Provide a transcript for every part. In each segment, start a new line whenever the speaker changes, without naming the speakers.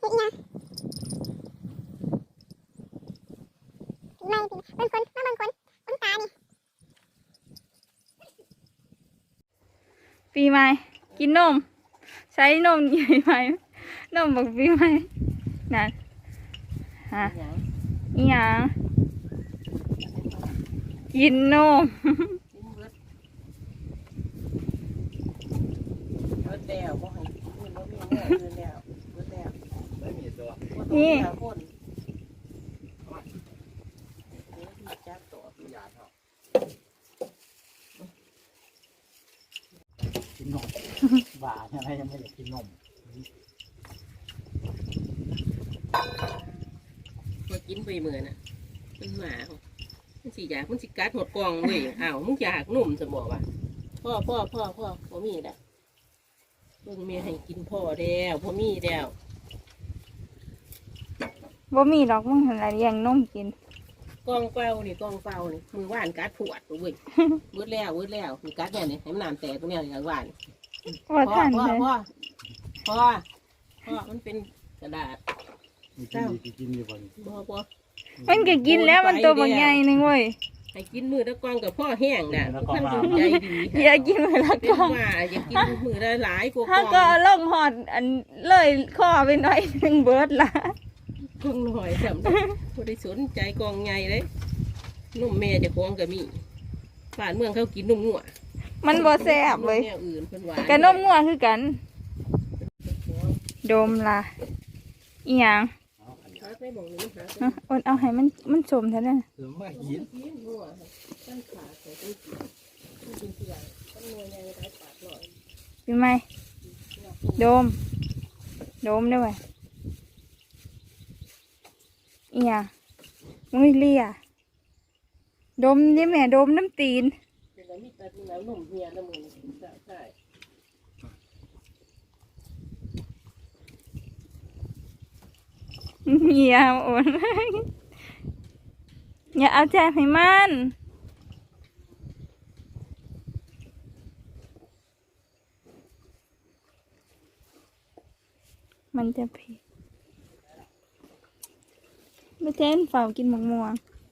อีหยังไม่เป็นคนมาบางคนคนตานี่
ปีใหม่กินนมใช้นมใหญ่ไหมนมบอกปีใหม่นั่นฮะอีหยังกินนมนี่
กินนมบ้าอะไรยังไม่อยากกินนม
มากินไปเหมือนน่ะมันหมามันสิอยากมันสิกัดหมดกล่องเลยอ้าวมึงอยากนุ่มจะบอกว่าพ่อพอมีแล้วเพิ่งเมียให้กินพ่อแล้วพอมีแล้ว
บ่มีดอกมึงเห็นอะไรยังนมกิน
กล่องเปล่านี่มือว่านกัดผวดเว้ยเวิร์ดแล้วมีกัดเนี่ยนี่ให้มันน้ำแตกตรงเนี้ยอย่างว่าน
ว่าท่านเลย
พ่อมันเป็นกระดาษ
กินอยู่บ่นี่
พ่อ
มันก็กินแล้วมันตัวบางใหญ่นึงเว้ย
ให้กินมือละกล่องกับพ่อแห้งน่ะท่านจงใจดี
อย่ากินมือละ
เป็น
กล่อง
ว่าอย่ากินมือละหลายกว่า
ถ้าก็ล่องหอดอันเลยข้อไปหน่อยหนึ่งเบิร์ดละ
กล่องหน่อยสำหรับผู้ได้สนใจกล่องใหญ่เลยนุ่มแม่จะกล่องก็มีบ้านเมืองเขากินนุ่มงัว
มันบ่แซ่บเลย
แนวอื่นเพิ่นว่า
กันนมงัวคือกันดมละอีหยัง
หาไปหม่องนี้หาไป
อดเอาให้มันสมเท่านั้น
เออมากิน
กินงัวตั้งขาใส่ตู้กินเสียงต้นมวยในไร้ปากหน่อย
เป็นไหมดมได้ไหมอีหยังมึงเลียดมดิแม่ดมน้ำตีน
เป็นอะไรมีแต่น้ำนมเฮียน้ำมือใช่
เมียโอนอย่าเอาใจให้มันจะผิดไม่เต้นฝ่ากินหมกม่วง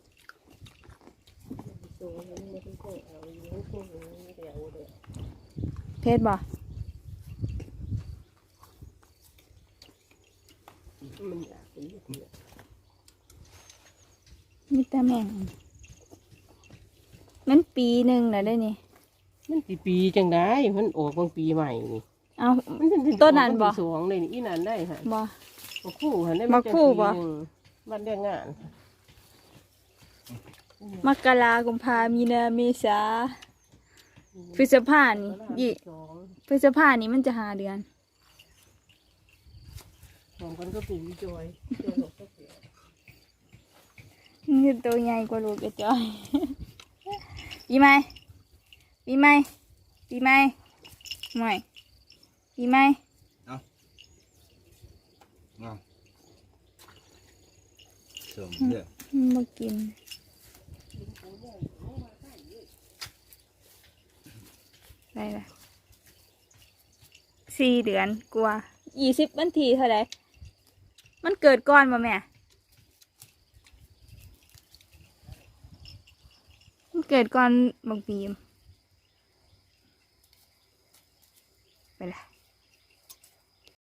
ตัวนี้ไม่ต้องเอาอยู่ในตู้นี้เดี๋ยวเดี๋ยว
เพชรบ่
มันอยากกิน
มีแต่แม่งมันปีหนึ่งแล้วได้นี่
มันปีจังได้มันออกบางปีใหม่นี่
เอาต้นนั้นบ่
สวงเลยนี่อีนั้นได้ค่ะ
บ่
บักคู่หันได้
บักคู่บ่
มันเรียกงาน
มกรากุมภามีนาเมษาพฤษภานี่พฤษภานี่มันจะหาเดือน
ของกันก็ปีจอย
นี่ตัวใหญ่กว่าลูกกระจอย ปีใหม่ไม่ปีใหม่
สมเด้อ
มากินอะไรล่ะ4 เดือนกว่า20 วันทีเท่าไหร่มันเกิดก่อนบ่แม่มันเกิดก่อนบางปีไปละ